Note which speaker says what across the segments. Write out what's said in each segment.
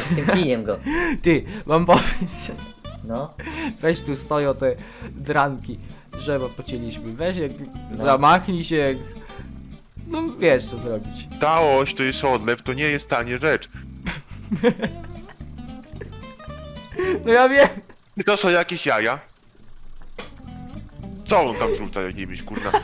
Speaker 1: tym kijem go.
Speaker 2: Ty, mam pomysł.
Speaker 1: No.
Speaker 2: Weź tu stoją te dranki. Drzewa pocięliśmy. Weź jak
Speaker 1: No.
Speaker 2: zamachnij się jak... No wiesz co zrobić.
Speaker 3: Całość to jest odlew, to nie jest tanie rzecz.
Speaker 2: No ja wiem.
Speaker 3: I to są jakieś jaja. Co on tam rzuca jakimiś kurna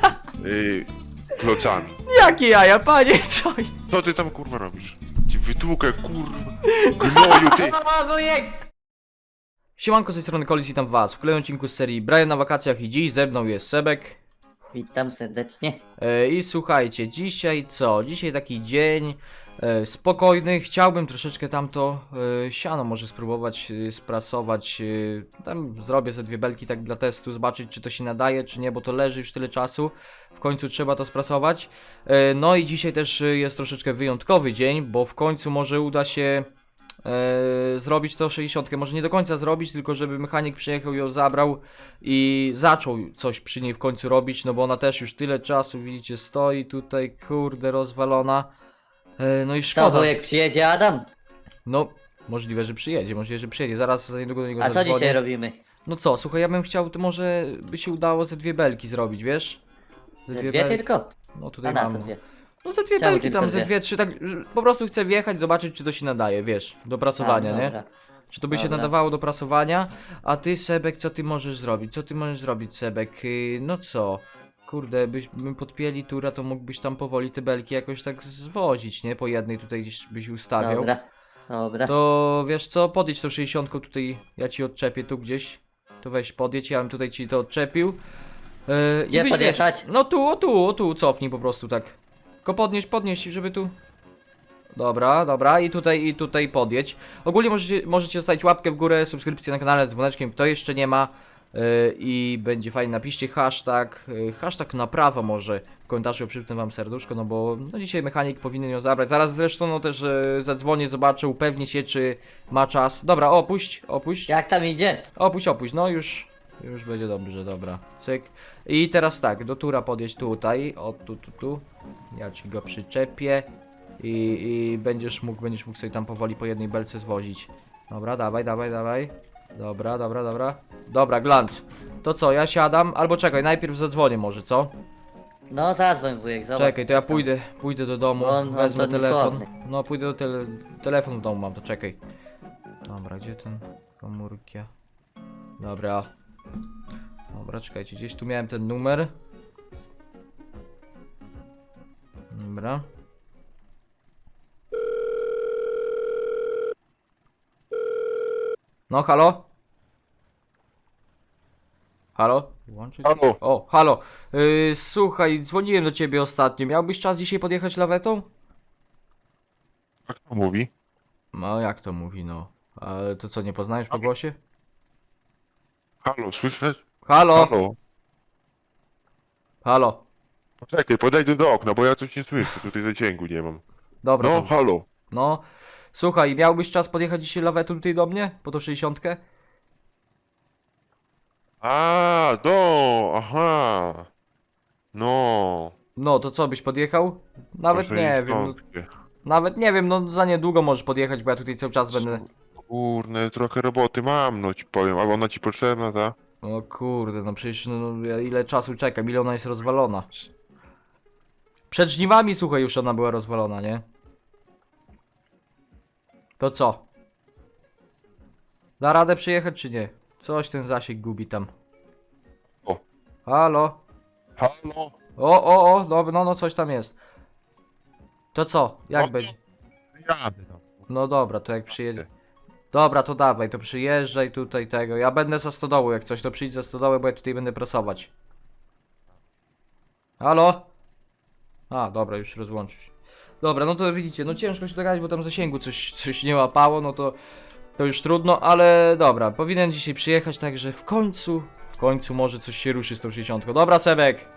Speaker 3: klocami?
Speaker 2: Jakie jaja, panie, co?
Speaker 3: Co ty tam kurwa robisz? Ci wytłukę kurwa. Gnoju ty.
Speaker 1: O, wujek!
Speaker 2: Siemanko, z tej strony Kolis, witam was w kolejnym odcinku z serii Brian na wakacjach i dziś ze mną jest Sebek.
Speaker 1: Witam serdecznie.
Speaker 2: I słuchajcie, dzisiaj co? Dzisiaj taki dzień spokojny. Chciałbym troszeczkę tamto siano może spróbować sprasować. Tam zrobię ze dwie belki tak dla testu, zobaczyć czy to się nadaje, czy nie, bo to leży już tyle czasu. W końcu trzeba to sprasować. No i dzisiaj też jest troszeczkę wyjątkowy dzień, bo w końcu może uda się zrobić to 60, może nie do końca zrobić, tylko żeby mechanik przyjechał, ją zabrał i zaczął coś przy niej w końcu robić, no bo ona też już tyle czasu, widzicie, stoi tutaj, kurde, rozwalona. No i
Speaker 1: Co,
Speaker 2: szkoda.
Speaker 1: wujek, przyjedzie Adam?
Speaker 2: No, możliwe, że przyjedzie, zaraz za niedługo do niego
Speaker 1: A co
Speaker 2: zadzwonię.
Speaker 1: dzisiaj robimy?
Speaker 2: No co, słuchaj, ja bym chciał, to może by się udało ze dwie belki zrobić, wiesz?
Speaker 1: Ze dwie tylko?
Speaker 2: No
Speaker 1: A
Speaker 2: tutaj
Speaker 1: na
Speaker 2: mam.
Speaker 1: co dwie?
Speaker 2: No ze dwie
Speaker 1: Czemu
Speaker 2: belki
Speaker 1: tylko
Speaker 2: tam, ze
Speaker 1: dwie?
Speaker 2: dwie, trzy, tak po prostu chcę wjechać, zobaczyć czy to się nadaje, wiesz, do prasowania, nie?
Speaker 1: Dobra.
Speaker 2: Czy to by się
Speaker 1: Dobra.
Speaker 2: nadawało do prasowania? A ty, Sebek, co ty możesz zrobić? Co ty możesz zrobić, Sebek? No co? Kurde, byśmy podpięli tura, to mógłbyś tam powoli te belki jakoś tak zwozić, nie? Po jednej tutaj gdzieś byś ustawiał.
Speaker 1: Dobra. Dobra.
Speaker 2: To wiesz co? Podjedź tą 60 tutaj, ja ci odczepię tu gdzieś. To weź podjedź, ja bym tutaj ci to odczepił. I
Speaker 1: Gdzie
Speaker 2: byś,
Speaker 1: podjechać?
Speaker 2: wiesz, no tu, cofnij po prostu tak. Tylko podnieś, żeby tu... Dobra, i tutaj podjedź. Ogólnie możecie zostawić łapkę w górę, subskrypcję na kanale z dzwoneczkiem, kto jeszcze nie ma. I będzie fajnie, napiszcie hashtag naprawa może w komentarzu, przypnę wam serduszko, no bo no dzisiaj mechanik powinien ją zabrać. Zaraz zresztą no też zadzwonię, zobaczę, upewnię się czy ma czas. Dobra, opuść.
Speaker 1: Jak tam idzie?
Speaker 2: Opuść, no już będzie dobrze, dobra, cyk. I teraz tak, do tura podjedź tutaj, o tu, ja ci go przyczepię i będziesz mógł sobie tam powoli po jednej belce zwozić. Dobra, dawaj. Dobra, glanc. To co, ja siadam, albo czekaj, najpierw zadzwonię może, co?
Speaker 1: No zadzwoń, wujek, zobacz.
Speaker 2: Czekaj, to ja
Speaker 1: co tam.
Speaker 2: pójdę do domu,
Speaker 1: On
Speaker 2: wezmę
Speaker 1: to
Speaker 2: telefon.
Speaker 1: niesławny.
Speaker 2: No pójdę do telefonu w domu mam, to czekaj. Dobra, gdzie ten komórki? Dobra, czekajcie, gdzieś tu miałem ten numer. Dobra. No, halo? Halo? Włączyć?
Speaker 3: Halo.
Speaker 2: O, halo. Słuchaj, dzwoniłem do ciebie ostatnio. Miałbyś czas dzisiaj podjechać lawetą?
Speaker 3: Jak to mówi?
Speaker 2: No, jak to mówi, no. Ale to co, nie poznajesz po głosie?
Speaker 3: Halo, słyszysz?
Speaker 2: Halo?
Speaker 3: Halo.
Speaker 2: Halo?
Speaker 3: Poczekaj, podejdę do okna, bo ja coś nie słyszę, tutaj zasięgu nie mam.
Speaker 2: Dobra,
Speaker 3: No,
Speaker 2: to,
Speaker 3: halo.
Speaker 2: no. Słuchaj, miałbyś czas podjechać dzisiaj lawetą tutaj do mnie? Po tą 60?
Speaker 3: Aha. No.
Speaker 2: No, to co, byś podjechał? Nawet
Speaker 3: Proszę
Speaker 2: nie
Speaker 3: nie
Speaker 2: wiem, no,
Speaker 3: wątpię.
Speaker 2: nawet nie wiem, no za niedługo możesz podjechać, bo ja tutaj cały czas będę...
Speaker 3: Kurne, trochę roboty mam, no ci powiem, ale ona ci potrzebna, ta?
Speaker 2: O kurde, no przecież no, ja ile czasu czekam, ile ona jest rozwalona. Przed żniwami, słuchaj, już ona była rozwalona, nie? To co? Da radę przyjechać czy nie? Coś ten zasięg gubi tam.
Speaker 3: O.
Speaker 2: Halo?
Speaker 3: Halo?
Speaker 2: O, dobra, no coś tam jest. To co? Jak
Speaker 3: No.
Speaker 2: będzie?
Speaker 3: Jadę tam.
Speaker 2: No dobra, to jak przyjedzie. Dobra, to dawaj, to przyjeżdżaj tutaj tego. Ja będę za stodołu, jak coś, to przyjdź za stodołę, bo ja tutaj będę prasować. Halo? A, dobra, już rozłączył się. Dobra, no to widzicie, no ciężko się dogadać, bo tam zasięgu coś nie łapało, no to już trudno, ale dobra, powinien dzisiaj przyjechać, także w końcu może coś się ruszy z tą 60. Dobra, Sebek!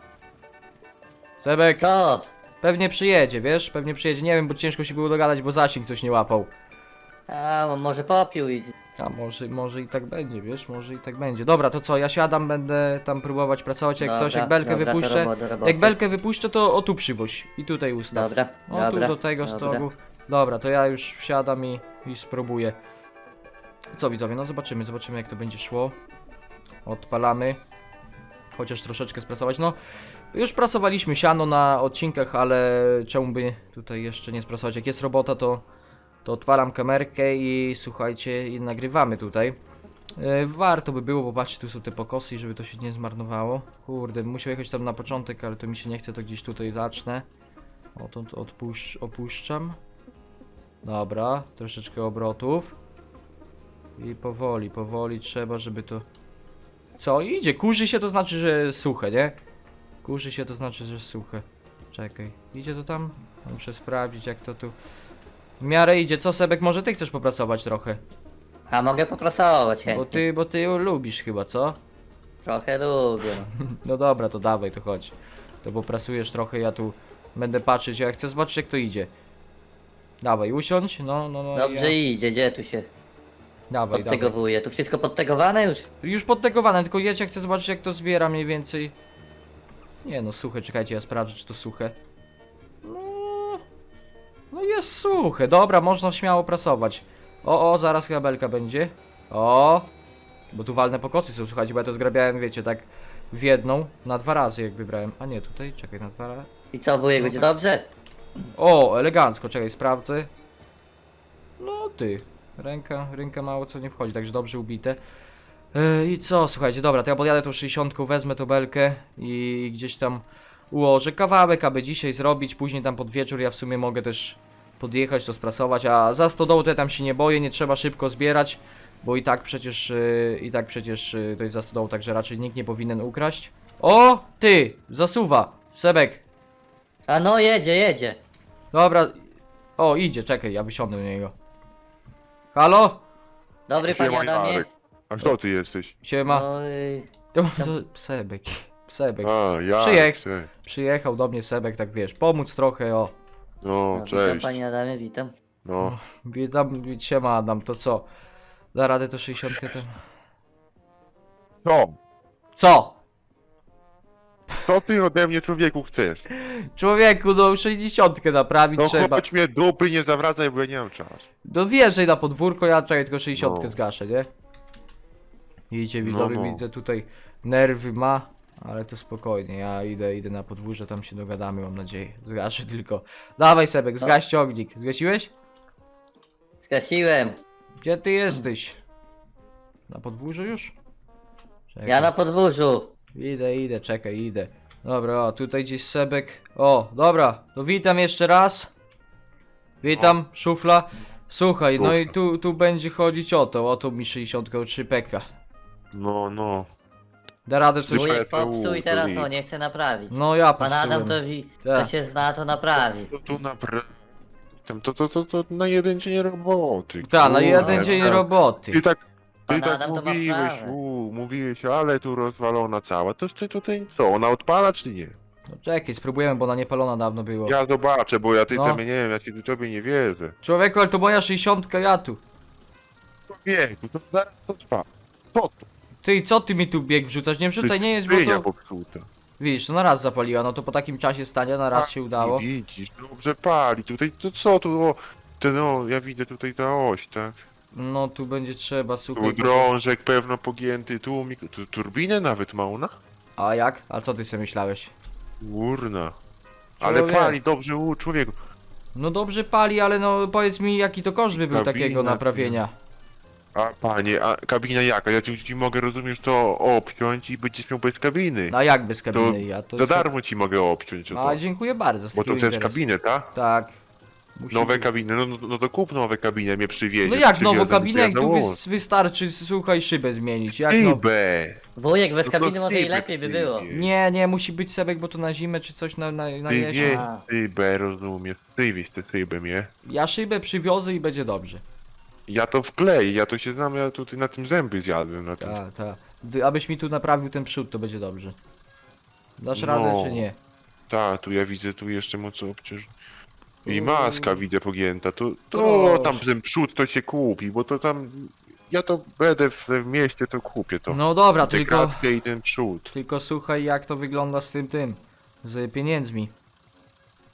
Speaker 2: Sebek,
Speaker 1: Co?
Speaker 2: pewnie przyjedzie, wiesz? Pewnie przyjedzie, nie wiem, bo ciężko się było dogadać, bo zasięg coś nie łapał.
Speaker 1: A, on może popił idzie.
Speaker 2: A może i tak będzie, wiesz, może i tak będzie. Dobra, to co, ja siadam, będę tam próbować pracować, jak coś, jak belkę
Speaker 1: dobra,
Speaker 2: wypuszczę.
Speaker 1: do roboty.
Speaker 2: Jak belkę wypuszczę, to o tu przywoź i tutaj ustaw.
Speaker 1: Dobra,
Speaker 2: O
Speaker 1: dobra.
Speaker 2: tu do tego
Speaker 1: dobra.
Speaker 2: stogu. Dobra, to ja już wsiadam i spróbuję. Co widzowie, no zobaczymy jak to będzie szło. Odpalamy. Chociaż troszeczkę sprasować, no już prasowaliśmy siano na odcinkach, ale czemu by tutaj jeszcze nie sprasować? Jak jest robota, to odpalam kamerkę i słuchajcie, i nagrywamy tutaj. Warto by było, bo patrzcie, tu są te pokosy, żeby to się nie zmarnowało. Kurde, musiał jechać tam na początek, ale to mi się nie chce, to gdzieś tutaj zacznę. O, to opuszczam. Dobra, troszeczkę obrotów. I powoli trzeba, żeby to... Co? Idzie, kurzy się, to znaczy, że suche, nie? Kurzy się, to znaczy, że suche. Czekaj, idzie to tam? Muszę sprawdzić, jak to tu... W miarę idzie. Co, Sebek, może ty chcesz popracować trochę?
Speaker 1: A mogę popracować chętnie.
Speaker 2: Bo ty ją lubisz chyba, co?
Speaker 1: Trochę lubię.
Speaker 2: No dobra, to dawaj, to chodź. To popracujesz trochę, ja tu będę patrzeć, ja chcę zobaczyć, jak to idzie. Dawaj, usiądź, no.
Speaker 1: Dobrze idzie, gdzie tu się
Speaker 2: Dawaj.
Speaker 1: podtegowuje? Tu wszystko podtegowane już?
Speaker 2: Już podtegowane, tylko jedź, jak chcę zobaczyć, jak to zbiera mniej więcej. Nie no, suche, czekajcie, ja sprawdzę, czy to suche. No jest suche, dobra, można śmiało prasować. O, zaraz chyba belka będzie. O, bo tu walne pokosy są, słuchajcie, bo ja to zgrabiałem, wiecie, tak w jedną, na 2 razy jak wybrałem. A nie, tutaj, czekaj, na 2 razy.
Speaker 1: I co, wujek, będzie dobrze?
Speaker 2: O, elegancko, czekaj, sprawdzę. No ty, ręka mało co nie wchodzi, także dobrze ubite. I co, słuchajcie, dobra, to ja podjadę tą 60, wezmę tą belkę i gdzieś tam ułożę kawałek, aby dzisiaj zrobić, później tam pod wieczór ja w sumie mogę też podjechać, to sprasować, a za stodołą to ja tam się nie boję, nie trzeba szybko zbierać, bo i tak przecież to jest za stodołą, także raczej nikt nie powinien ukraść. O, ty, zasuwa, Sebek.
Speaker 1: A no, jedzie.
Speaker 2: Dobra. O, idzie, czekaj, ja wysiądę do niego. Halo?
Speaker 1: Dobry panie
Speaker 3: Siema,
Speaker 1: Adamie.
Speaker 3: Jarek. A kto ty jesteś?
Speaker 2: Siema.
Speaker 1: No,
Speaker 2: To Sebek.
Speaker 3: A, ja.
Speaker 2: Przyjechał do mnie Sebek, tak wiesz, pomóc trochę, o.
Speaker 3: No,
Speaker 1: no, witam
Speaker 3: cześć.
Speaker 1: panie Adamie, witam.
Speaker 3: No,
Speaker 2: Witam, siema Adam, to co? Da radę to 60 ten. Co?
Speaker 3: co ty ode mnie, człowieku, chcesz?
Speaker 2: Człowieku, no 60 naprawić
Speaker 3: No
Speaker 2: trzeba.
Speaker 3: chodź mnie dupy, nie zawracaj, bo ja nie mam czasu.
Speaker 2: No wjeżdżaj na podwórko, ja czekaj, tylko 60
Speaker 3: No.
Speaker 2: zgaszę, nie? Widzicie, widzowie,
Speaker 3: No.
Speaker 2: widzę tutaj nerwy ma, ale to spokojnie, ja idę na podwórze, tam się dogadamy, mam nadzieję. Zgaszę tylko. Dawaj Sebek, zgaś ciągnik. Zgasiłeś?
Speaker 1: Zgasiłem.
Speaker 2: Gdzie ty jesteś? Na podwórzu już? Czekaj.
Speaker 1: Ja na podwórzu.
Speaker 2: Idę, czekaj, idę. Dobra, o, tutaj gdzieś Sebek. O, dobra, to witam jeszcze raz. Witam, szufla. Słuchaj, no i tu będzie chodzić o to mi 63 peka.
Speaker 3: No.
Speaker 2: Da radę coś...
Speaker 3: Słyszę.
Speaker 1: Wujek popsuł i teraz
Speaker 3: Wujek.
Speaker 1: nie chce naprawić.
Speaker 2: No ja
Speaker 1: Pan Adam
Speaker 2: popsułem.
Speaker 1: to
Speaker 2: Tak.
Speaker 1: się zna, to naprawi.
Speaker 3: To tu naprawdę... To na jeden dzień roboty.
Speaker 2: Ta, na jeden
Speaker 3: kurde,
Speaker 2: dzień
Speaker 3: tak.
Speaker 2: roboty.
Speaker 3: Ty
Speaker 1: Pan
Speaker 3: tak
Speaker 1: Adam to ma
Speaker 3: mówiłeś,
Speaker 1: wprawę.
Speaker 3: mówiłeś, ale tu rozwalona cała. To ty tutaj co, ona odpala czy nie?
Speaker 2: No czekaj, spróbujemy, bo ona niepalona dawno było.
Speaker 3: Ja zobaczę, bo ja
Speaker 2: No.
Speaker 3: tobie nie wiem, ja ci tobie nie wierzę.
Speaker 2: Człowieku, ale to moja 60, ja tu.
Speaker 3: Człowieku, to zaraz to trwa. Co to?
Speaker 2: Ty, co ty mi tu bieg wrzucasz? Nie wrzucaj, nie jedź, bo
Speaker 3: Skrzynia
Speaker 2: to...
Speaker 3: popsuta.
Speaker 2: Widzisz, to na raz zapaliła, no to po takim czasie stania na raz się udało.
Speaker 3: Widzisz, dobrze pali. Tutaj to co tu? O, no, ja widzę tutaj ta oś, tak?
Speaker 2: No tu będzie trzeba,
Speaker 3: Tu
Speaker 2: słuchaj.
Speaker 3: drążek pewno pogięty, tu turbinę nawet ma ona?
Speaker 2: A jak? A co ty sobie myślałeś?
Speaker 3: Urna. Ale
Speaker 2: Człowiek.
Speaker 3: pali dobrze, człowieku.
Speaker 2: No dobrze pali, ale no powiedz mi jaki to koszt by był
Speaker 3: Kabina,
Speaker 2: takiego naprawienia.
Speaker 3: A panie, a kabina jaka? Ja ci mogę, rozumiesz, to obciąć i będziesz miał bez kabiny.
Speaker 2: A jak bez kabiny? Ja to
Speaker 3: Za darmo ci mogę obciąć o
Speaker 2: A
Speaker 3: to.
Speaker 2: dziękuję bardzo z
Speaker 3: Bo to
Speaker 2: takiego
Speaker 3: też
Speaker 2: interesu.
Speaker 3: kabinę, tak?
Speaker 2: Tak. Musi
Speaker 3: Nowe
Speaker 2: być.
Speaker 3: kabiny, no to kup nowe kabiny, mnie przywiezie.
Speaker 2: No jak nową
Speaker 3: przywiozę,
Speaker 2: kabinę,
Speaker 3: to
Speaker 2: jak tu
Speaker 3: założę.
Speaker 2: wystarczy, słuchaj, szybę zmienić. Jak no...
Speaker 3: Szybę!
Speaker 1: Wujek bez
Speaker 3: No to
Speaker 1: kabiny może i
Speaker 3: szybę
Speaker 1: lepiej by było.
Speaker 3: przywieź.
Speaker 2: Nie, musi być Sebek, bo to na zimę czy coś na
Speaker 3: Ty
Speaker 2: jesień.
Speaker 3: wieś
Speaker 1: A.
Speaker 3: szybę, rozumiesz, ty wieś tę szybę, nie?
Speaker 2: Ja szybę przywiozę i będzie dobrze.
Speaker 3: Ja to wkleję, ja to się znam, ja tutaj na tym zęby zjadłem, na tym.
Speaker 2: Tak. Abyś mi tu naprawił ten przód, to będzie dobrze. Dasz
Speaker 3: No.
Speaker 2: radę czy nie?
Speaker 3: Tak, tu ja widzę, tu jeszcze mocno obciąż. I
Speaker 2: Mm.
Speaker 3: maska widzę pogięta, to
Speaker 2: Proszę.
Speaker 3: tam ten przód to się kupi, bo to tam... Ja to będę w mieście, to kupię to.
Speaker 2: No dobra,
Speaker 3: Tę
Speaker 2: tylko...
Speaker 3: kratkę i ten przód.
Speaker 2: Tylko słuchaj jak to wygląda z tym, z pieniędzmi.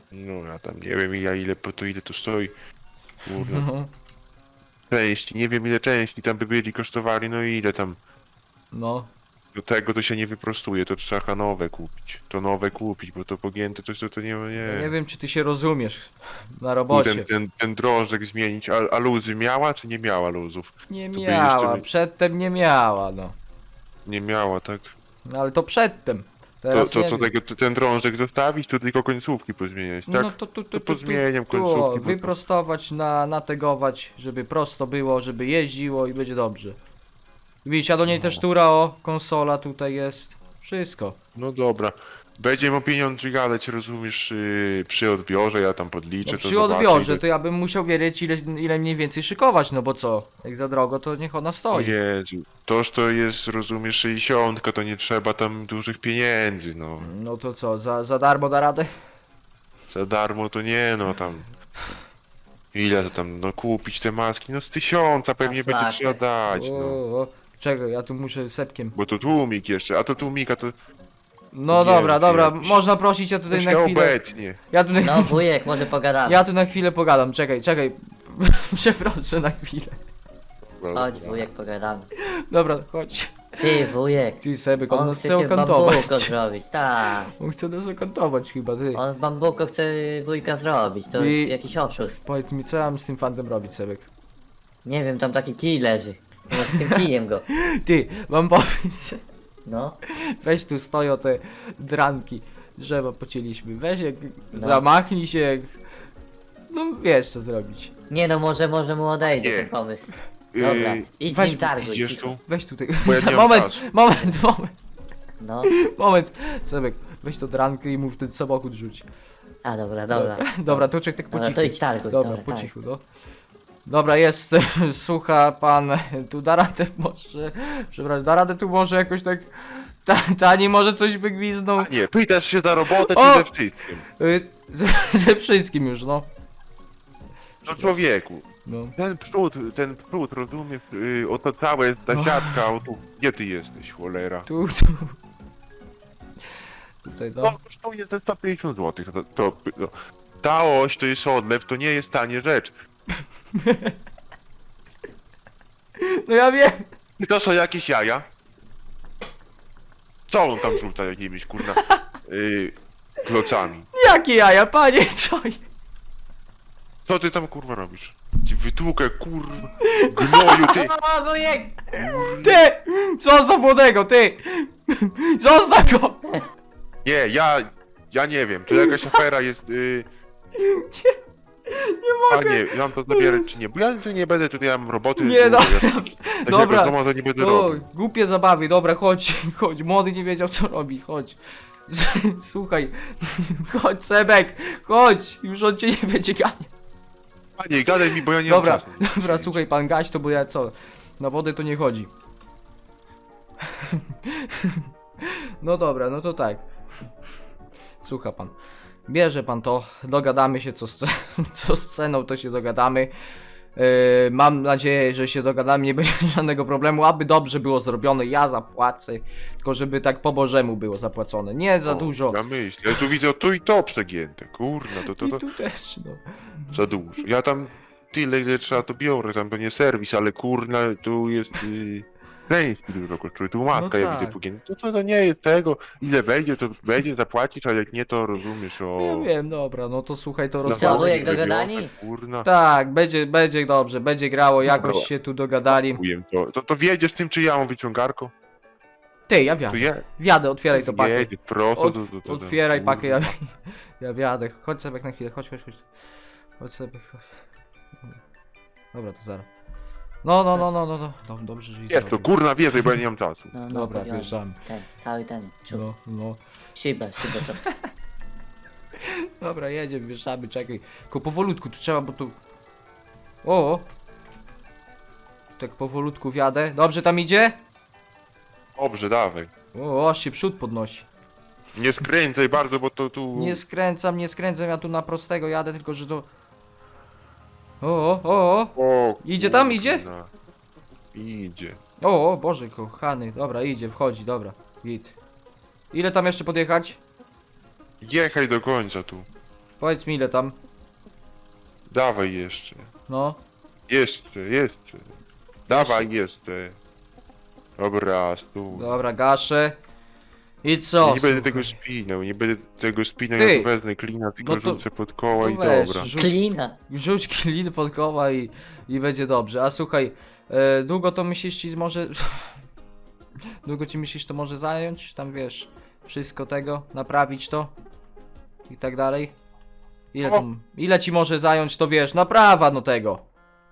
Speaker 3: No ja tam nie wiem ile to stoi. Kurna.
Speaker 2: No,
Speaker 3: Części, nie wiem ile części tam by byli kosztowali, no i ile tam.
Speaker 2: no.
Speaker 3: Do tego to się nie wyprostuje, to trzeba nowe kupić. To nowe kupić, bo to pogięte to nie.
Speaker 2: Nie wiem, czy ty się rozumiesz na
Speaker 3: Tu
Speaker 2: robocie.
Speaker 3: ten drążek zmienić, a luzy miała czy nie miała luzów?
Speaker 2: Nie
Speaker 3: to by
Speaker 2: miała,
Speaker 3: jeszcze-
Speaker 2: przedtem nie miała, no.
Speaker 3: Nie miała, tak?
Speaker 2: No ale to przedtem.
Speaker 3: To
Speaker 2: Teraz
Speaker 3: co
Speaker 2: nie wiem.
Speaker 3: ten drążek zostawić, to tylko końcówki pozmieniać, tak?
Speaker 2: No to tu,
Speaker 3: To pozmieniam końcówki,
Speaker 2: o,
Speaker 3: bo to-
Speaker 2: wyprostować, nategować, żeby prosto było, żeby jeździło i będzie dobrze. Widzisz, a do niej też tura, o, konsola tutaj jest. Wszystko.
Speaker 3: No dobra. Będziemy o pieniądze gadać, rozumiesz, przy odbiorze, ja tam podliczę,
Speaker 2: No,
Speaker 3: to
Speaker 2: przy
Speaker 3: zobaczę,
Speaker 2: odbiorze
Speaker 3: ile-
Speaker 2: to ja bym musiał wiedzieć ile mniej więcej szykować, no bo co? Jak za drogo, to niech ona
Speaker 3: O
Speaker 2: stoi.
Speaker 3: Jezu, toż to jest, rozumiesz, 60, to nie trzeba tam dużych pieniędzy, no.
Speaker 2: No to co, za darmo da radę?
Speaker 3: Za darmo to nie, no tam. Ile to tam, no kupić te maski, no z 1000 pewnie
Speaker 1: Na
Speaker 3: będzie
Speaker 1: flakę.
Speaker 3: trzeba dać, no.
Speaker 2: O, czekaj, ja tu muszę sepkiem.
Speaker 3: Bo to tłumik jeszcze, a to tłumika to
Speaker 2: No
Speaker 3: Nie
Speaker 2: dobra,
Speaker 3: wiem,
Speaker 2: dobra,
Speaker 3: jakiś-
Speaker 2: można prosić, ja
Speaker 3: to
Speaker 2: tutaj
Speaker 3: się
Speaker 2: na chwilę.
Speaker 3: obecnie.
Speaker 2: Ja tu na,
Speaker 1: No wujek, może pogadamy.
Speaker 2: ja tu na chwilę pogadam, czekaj. Przeproszę na chwilę.
Speaker 1: Chodź wujek, pogadamy.
Speaker 2: Dobra, chodź.
Speaker 1: Ty wujek,
Speaker 2: Ty Sebek, on
Speaker 1: on
Speaker 2: nas
Speaker 1: chce
Speaker 2: chce
Speaker 1: cię
Speaker 2: okantować.
Speaker 1: bambuko zrobić, tak.
Speaker 2: On chce nas okantować chyba, ty.
Speaker 1: On bambuko chce wujka zrobić, to
Speaker 2: I-
Speaker 1: jest jakiś oszust.
Speaker 2: Powiedz mi, co ja mam z tym fantem robić, Sebek?
Speaker 1: Nie wiem, tam taki kij leży. Może tym kijem go.
Speaker 2: Ty, mam pomysł.
Speaker 1: No,
Speaker 2: Weź tu stoją te dranki. Drzewa pocięliśmy. Weź jak
Speaker 1: No.
Speaker 2: zamachnij się jak... No wiesz co zrobić.
Speaker 1: nie no, może mu odejdzie
Speaker 3: Nie.
Speaker 1: ten pomysł. Dobra, idź z
Speaker 2: weź-
Speaker 1: nim targuj.
Speaker 3: Idziesz
Speaker 1: cicho.
Speaker 3: tu?
Speaker 2: Weź tutaj.
Speaker 3: Bo ja nie mam
Speaker 2: moment,
Speaker 3: czasu.
Speaker 2: moment.
Speaker 1: No,
Speaker 2: Sebek, weź to drankę i mów ten samochód rzuć.
Speaker 1: a dobra, dobra.
Speaker 2: Dobra, to czek tak po
Speaker 1: Dobra,
Speaker 2: cichu.
Speaker 1: to idź targuj,
Speaker 2: Dobra,
Speaker 1: dobra,
Speaker 2: po
Speaker 1: tak.
Speaker 2: cichu, no. Dobra, jest, słucha pan, tu da radę może, przepraszam, da radę tu może jakoś tak, tani może coś by gwizdnął,
Speaker 3: Nie, pytasz się za robotę
Speaker 2: O!
Speaker 3: czy ze wszystkim?
Speaker 2: ze wszystkim już, no.
Speaker 3: No człowieku,
Speaker 2: No,
Speaker 3: ten przód, rozumiesz, oto całe ta
Speaker 2: No.
Speaker 3: siatka, o tu, gdzie ty jesteś, cholera?
Speaker 2: tu. Tutaj,
Speaker 3: To
Speaker 2: no.
Speaker 3: kosztuje te 150 zł, no. Ta oś to jest odlew, to nie jest tanie rzecz.
Speaker 2: No ja wiem.
Speaker 3: I to są jakieś jaja? Co on tam rzuca jakimiś, kurna, klocami?
Speaker 2: Jakie jaja, panie, co?
Speaker 3: Co ty tam, kurwa, robisz? Ci wytłukę, kurwa, gnoju, ty!
Speaker 1: O, wujek!
Speaker 2: Ty! Zostaw młodego, ty! Zostaw go!
Speaker 3: Nie, ja nie wiem, to jakaś afera jest,
Speaker 2: Nie
Speaker 3: a
Speaker 2: mogę.
Speaker 3: nie, mam to zabierać czy nie, bo ja tu nie będę, tutaj ja mam roboty.
Speaker 2: Nie,
Speaker 3: dużo,
Speaker 2: dobra.
Speaker 3: ja
Speaker 2: Dobra.
Speaker 3: tego może nie będę
Speaker 2: O,
Speaker 3: robił.
Speaker 2: głupie zabawy, dobra, chodź, młody nie wiedział co robi, chodź. Słuchaj, chodź Sebek, chodź, już on cię nie będzie ganiał.
Speaker 3: Panie, gadaj mi, bo ja nie
Speaker 2: Dobra,
Speaker 3: mam czasu.
Speaker 2: dobra, słuchaj pan, gaś to, bo ja co, na wodę to nie chodzi. No dobra, no to tak. Słucha pan, bierze pan to, dogadamy się co z ceną, to się dogadamy. Mam nadzieję, że się dogadamy, nie będzie żadnego problemu, aby dobrze było zrobione, ja zapłacę, tylko żeby tak po bożemu było zapłacone, nie za
Speaker 3: O,
Speaker 2: dużo.
Speaker 3: Ja myślę, ja tu widzę tu i to przegięte, kurna, to
Speaker 2: I tu też, no.
Speaker 3: za dużo. Ja tam tyle, ile trzeba, to biorę, tam to nie serwis, ale kurna, tu jest części dużo kosztuje, tu maska, ja
Speaker 2: tak.
Speaker 3: widzę pogięte. To nie jest tego, ile wejdzie, to będzie zapłacić, a jak nie, to rozumiesz, o...
Speaker 2: Ja wiem, dobra, no to słuchaj, to
Speaker 3: na
Speaker 1: Co,
Speaker 2: rozkładaj.
Speaker 1: wujek,
Speaker 3: walce
Speaker 1: dogadani?
Speaker 3: wybiorę, Kurna,
Speaker 2: Tak, będzie dobrze, będzie grało, jakoś
Speaker 3: Dobra.
Speaker 2: się tu dogadali.
Speaker 3: kujem to wiedziesz tym, czy ja mam wyciągarką?
Speaker 2: Ty, ja
Speaker 3: To
Speaker 2: wjadę,
Speaker 3: je,
Speaker 2: wjadę, otwieraj to pakę.
Speaker 3: jedzie, prosto do
Speaker 2: Otwieraj pakę, ja,
Speaker 3: kurwa.
Speaker 2: ja wjadę. Chodź sobie na chwilę, chodź. Chodź sobie, chodź. Dobra, to zaraz. No, dobrze, że
Speaker 3: Jest to, kurna, wierzę, bo ja nie mam czasu.
Speaker 1: No,
Speaker 2: Dobra,
Speaker 1: powiążę.
Speaker 2: wjeżdżamy.
Speaker 1: Cały ten, czub.
Speaker 2: No.
Speaker 1: Szybę trochę.
Speaker 2: Dobra, jedziemy, wieszamy, czekaj. Tylko powolutku, tu trzeba, bo tu... O! Tak powolutku wjadę. Dobrze tam idzie?
Speaker 3: Dobrze, dawaj.
Speaker 2: O, aż się przód podnosi.
Speaker 3: Nie skręcaj bardzo, bo to tu...
Speaker 2: Nie skręcam, ja tu na prostego jadę, tylko że to... O!
Speaker 3: O,
Speaker 2: Idzie tam,
Speaker 3: kurna.
Speaker 2: idzie?
Speaker 3: Idzie.
Speaker 2: O, Boże kochany, dobra, idzie, wchodzi, dobra, git. Ile tam jeszcze podjechać?
Speaker 3: Jechaj do końca tu.
Speaker 2: Powiedz mi ile tam.
Speaker 3: Dawaj jeszcze.
Speaker 2: No.
Speaker 3: Jeszcze. Dawaj jeszcze. Dobra, stój.
Speaker 2: Dobra, gaszę. I co?
Speaker 3: Nie będę
Speaker 2: słuchaj?
Speaker 3: tego spinał,
Speaker 2: Ty!
Speaker 3: ja tu wezmę klina, tylko
Speaker 2: No to-
Speaker 3: rzucę pod koła i
Speaker 2: weź,
Speaker 3: dobra.
Speaker 1: Klina.
Speaker 2: Rzuć klin pod koła i będzie dobrze. A słuchaj, długo to myślisz ci może... długo ci myślisz to może zająć? Tam wiesz, wszystko tego, naprawić to i tak dalej? Ile ci może zająć to wiesz, naprawa no tego.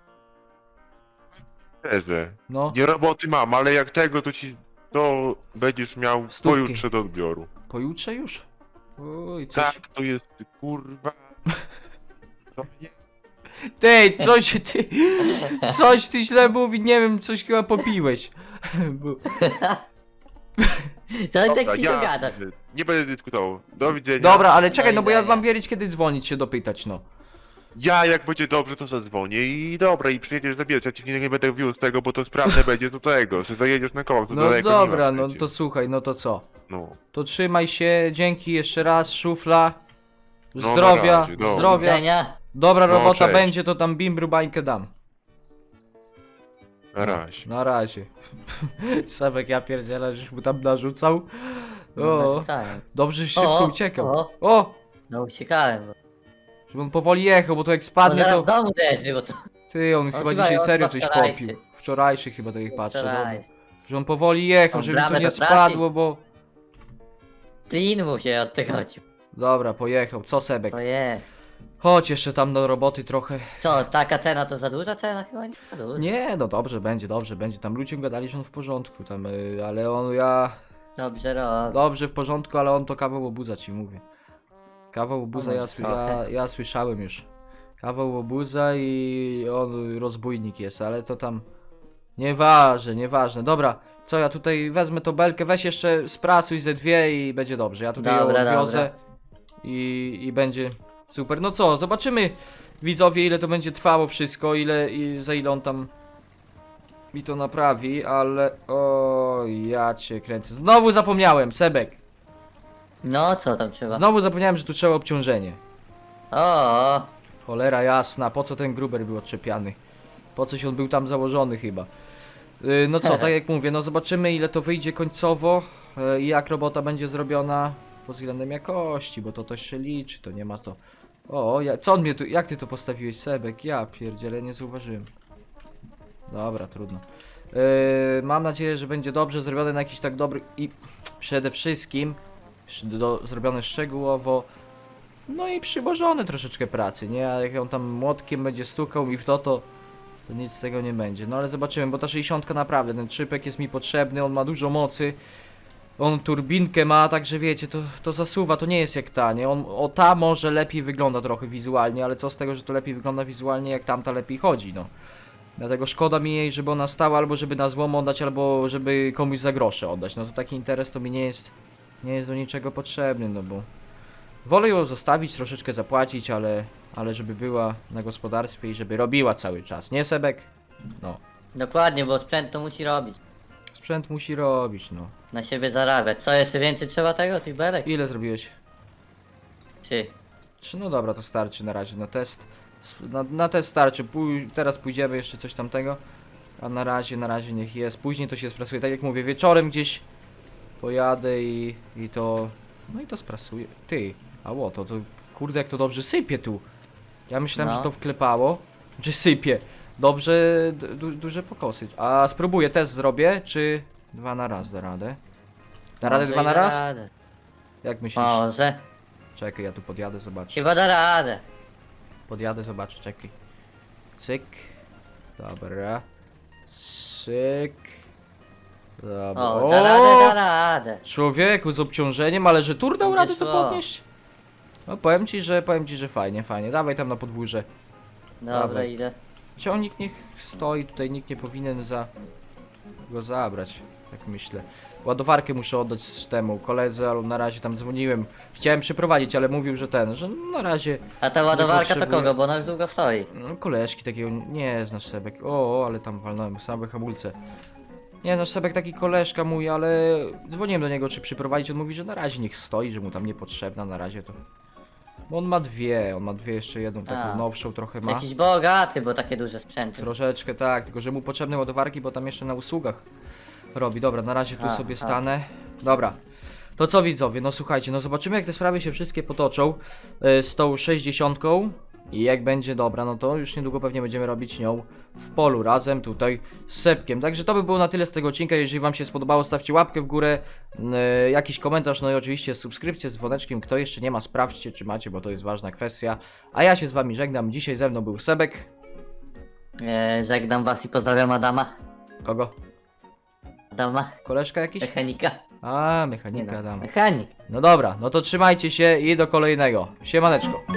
Speaker 3: Szczerze.
Speaker 2: No,
Speaker 3: Nie roboty mam, ale jak tego to będziesz miał
Speaker 2: Stówki.
Speaker 3: pojutrze do odbioru.
Speaker 2: pojutrze już? Uj, coś...
Speaker 3: Tak, to jest kurwa. To nie.
Speaker 2: Ty, coś ty źle mówi, nie wiem, coś chyba popiłeś. Bo-
Speaker 1: Co ty
Speaker 3: Dobra,
Speaker 1: tak cicho gadasz?
Speaker 3: nie będę dyskutował. Do widzenia.
Speaker 2: Dobra, ale czekaj,
Speaker 1: Do
Speaker 2: no bo ja
Speaker 1: widzenia.
Speaker 2: mam wiedzieć kiedy dzwonić się dopytać, no.
Speaker 3: Ja jak będzie dobrze to zadzwonię i dobra i przyjedziesz zabierać. Ja ci nie będę wiózł tego, bo to sprawne będzie do tego. Że zajedziesz na kołach, to
Speaker 2: No
Speaker 3: daleko
Speaker 2: dobra,
Speaker 3: nie ma
Speaker 2: no
Speaker 3: przecież.
Speaker 2: to słuchaj, no to co?
Speaker 3: No.
Speaker 2: To trzymaj się, dzięki jeszcze raz, szufla.
Speaker 3: No,
Speaker 2: Zdrowia,
Speaker 3: na razie, dobra.
Speaker 2: zdrowia.
Speaker 1: Widzenia.
Speaker 2: Dobra
Speaker 3: No,
Speaker 2: robota
Speaker 3: cześć.
Speaker 2: będzie, to tam bimbru bańkę dam.
Speaker 3: Na razie.
Speaker 2: Na razie. Sebek, ja pierdzielę, żeś mu tam narzucał. O, dobrze, że szybko uciekał. O,
Speaker 1: No uciekałem.
Speaker 2: żeby on powoli jechał, bo to jak
Speaker 1: Bo
Speaker 2: spadnie
Speaker 1: zaraz
Speaker 2: to...
Speaker 1: w domu leży, bo to...
Speaker 2: Ty, on chyba
Speaker 1: chyba
Speaker 2: dzisiaj
Speaker 1: on
Speaker 2: serio
Speaker 1: chyba
Speaker 2: coś
Speaker 1: wczorajszy.
Speaker 2: popił. Wczorajszy chyba tak jak patrzę, dobra.
Speaker 1: Wczoraj.
Speaker 2: Że on powoli jechał,
Speaker 1: On
Speaker 2: żeby tu
Speaker 1: bramę
Speaker 2: nie
Speaker 1: do pracy.
Speaker 2: spadło, bo...
Speaker 1: Klin mu się od tego odciął.
Speaker 2: Dobra, pojechał. Co Sebek?
Speaker 1: To je.
Speaker 2: Chodź jeszcze tam do roboty trochę.
Speaker 1: Co, taka cena to za duża cena? Chyba nie za duża.
Speaker 2: Nie, no dobrze będzie. Tam ludzie gadali, że on w porządku, tam, ale on, ja...
Speaker 1: Dobrze robi.
Speaker 2: Dobrze, w porządku, ale on to kawał obuza ci mówię. Kawał obuza
Speaker 1: No, trochę.
Speaker 2: ja słyszałem już. Kawał obuza i on rozbójnik jest, ale to tam... Nieważne. Dobra, co ja tutaj wezmę tą belkę, weź jeszcze sprasuj ze dwie i będzie dobrze. Ja tutaj
Speaker 1: Dobra,
Speaker 2: ją odwiozę i będzie super. No co, zobaczymy widzowie ile to będzie trwało wszystko, za ile on tam mi to naprawi, ale o ja cię kręcę. Znowu zapomniałem, Sebek.
Speaker 1: No co tam trzeba?
Speaker 2: Znowu zapomniałem, że tu trzeba obciążenie.
Speaker 1: O,
Speaker 2: Cholera jasna, po co ten gruber był odczepiany? Po coś on był tam założony chyba. No co, tak jak mówię, no zobaczymy ile to wyjdzie końcowo i jak robota będzie zrobiona pod względem jakości, bo to też się liczy, to nie ma to... O, co on mnie tu, jak ty to postawiłeś, Sebek? Ja pierdzielę, nie zauważyłem. Dobra, trudno. Mam nadzieję, że będzie dobrze zrobione na jakiś tak dobry i przede wszystkim zrobione szczegółowo. No i przyłożone troszeczkę pracy, nie? A jak on tam młotkiem będzie stukał mi w to nic z tego nie będzie. No ale zobaczymy, bo ta 60 naprawdę, ten trzypek jest mi potrzebny, on ma dużo mocy. On turbinkę ma, także wiecie, to zasuwa, to nie jest jak ta, nie? Ta może lepiej wygląda trochę wizualnie, ale co z tego, że to lepiej wygląda wizualnie, jak tamta lepiej chodzi, no. Dlatego szkoda mi jej, żeby ona stała, albo żeby na złom oddać, albo żeby komuś za grosze oddać. No to taki interes to mi nie jest do niczego potrzebny, no bo... Wolę ją zostawić, troszeczkę zapłacić, ale żeby była na gospodarstwie i żeby robiła cały czas, nie Sebek? No.
Speaker 1: dokładnie, bo sprzęt to musi robić.
Speaker 2: Sprzęt musi robić, no.
Speaker 1: Na siebie zarabiać. Co, jeszcze więcej trzeba tego, tych belek?
Speaker 2: Ile zrobiłeś?
Speaker 1: 3.
Speaker 2: 3, no dobra, to starczy na razie na test. Na test starczy, teraz pójdziemy jeszcze coś tamtego. A na razie niech jest. Później to się sprasuje, tak jak mówię, wieczorem gdzieś pojadę i to... No i to sprasuję. Ty, to kurde jak to dobrze sypie tu. Ja myślałem,
Speaker 1: No.
Speaker 2: że to wklepało, że sypie. Dobrze, duże pokosy. A spróbuję, test zrobię, czy 2 na raz da radę? Da radę
Speaker 1: Może
Speaker 2: 2
Speaker 1: i
Speaker 2: na
Speaker 1: da
Speaker 2: raz?
Speaker 1: radę.
Speaker 2: Jak myślisz?
Speaker 1: Może.
Speaker 2: Czekaj, ja tu podjadę, zobaczę.
Speaker 1: Chyba da radę.
Speaker 2: Podjadę, zobaczę, czekaj. Cyk. Dobra. Cyk. Dobra.
Speaker 1: O, da radę.
Speaker 2: Człowieku, z obciążeniem, ale że tur dał
Speaker 1: Będzie
Speaker 2: radę to
Speaker 1: szło.
Speaker 2: podnieść? No powiem ci, że fajnie. Dawaj tam na podwórze.
Speaker 1: Dobra,
Speaker 2: Dawaj.
Speaker 1: idę.
Speaker 2: Ciągnik niech stoi, tutaj nikt nie powinien go zabrać, tak myślę. Ładowarkę muszę oddać temu koledze, ale na razie tam dzwoniłem. Chciałem przyprowadzić, ale mówił, że że na razie...
Speaker 1: A ta ładowarka to
Speaker 2: potrzebuję.
Speaker 1: kogo, bo ona już długo stoi.
Speaker 2: No, koleżki takiego, nie znasz Sebek. Ale tam walnąłem same hamulce. Nie znasz Sebek, taki koleżka mój, ale dzwoniłem do niego, czy przyprowadzić. On mówi, że na razie niech stoi, że mu tam niepotrzebna, na razie to. On ma dwie, jeszcze jedną taką
Speaker 1: A.
Speaker 2: nowszą trochę ma.
Speaker 1: Jakiś bogaty, bo takie duże sprzęty.
Speaker 2: Troszeczkę tak, tylko że mu potrzebne ładowarki, bo tam jeszcze na usługach robi. Dobra, na razie tu
Speaker 1: A,
Speaker 2: sobie
Speaker 1: a.
Speaker 2: stanę. Dobra. To co widzowie, no słuchajcie, no zobaczymy jak te sprawy się wszystkie potoczą z tą 60 i jak będzie dobra, no to już niedługo pewnie będziemy robić nią w polu razem tutaj z Sepkiem. Także to by było na tyle z tego odcinka. Jeżeli wam się spodobało, stawcie łapkę w górę, jakiś komentarz, no i oczywiście subskrypcję z dzwoneczkiem. Kto jeszcze nie ma, sprawdźcie czy macie, bo to jest ważna kwestia. A ja się z wami żegnam. Dzisiaj ze mną był Sebek.
Speaker 1: Żegnam was i pozdrawiam Adama.
Speaker 2: Kogo?
Speaker 1: Adama,
Speaker 2: Koleżka jakiś?
Speaker 1: mechanika.
Speaker 2: A,
Speaker 1: Nie
Speaker 2: mechanika
Speaker 1: no,
Speaker 2: dam.
Speaker 1: mechanik.
Speaker 2: No dobra, no to trzymajcie się i do kolejnego. Siemaneczko.